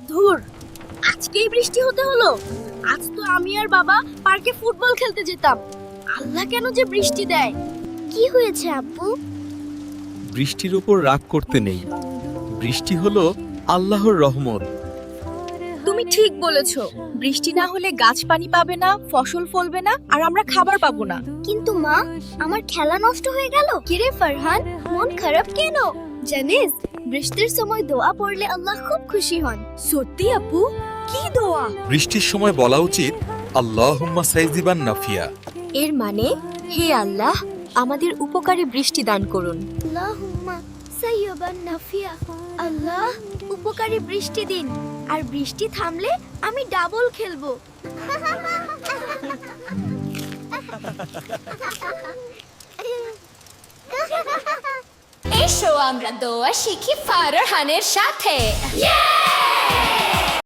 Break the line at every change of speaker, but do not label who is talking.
ধুর, আজকেই বৃষ্টি হতে হলো। আজ তো আমি আর বাবা পার্কে ফুটবল খেলতে যেতাম। আল্লাহ কেন যে বৃষ্টি দেয়? কি হয়েছে আব্বু?
বৃষ্টির উপর রাগ করতে নেই। বৃষ্টি হলো আল্লাহর রহমত।
তুমি ঠিক বলেছো। বৃষ্টি না হলে গাছ পানি পাবে না, ফসল ফলবে না, আর আমরা খাবার পাবো না। কিন্তু মা, আমার খেলা নষ্ট হয়ে গেল। কিরে ফারহান, মন খারাপ কেন? জানিস, বৃষ্টির সময় দোয়া পড়লে আল্লাহ খুব খুশি হন। সত্যি আপু? কি দোয়া?
বৃষ্টির সময় বলা উচিত আল্লাহুম্মা সাইজিবান নাফিয়া।
এর মানে, হে আল্লাহ, আমাদের উপকারে বৃষ্টি দান করুন। আল্লাহুম্মা সাইয়্যিবান নাফিয়া। আল্লাহ, উপকারী বৃষ্টি দিন। আর বৃষ্টি থামলে আমি ডাবল খেলবো।
এসো আমরা দোয়া শিখি ফারহানের সাথে।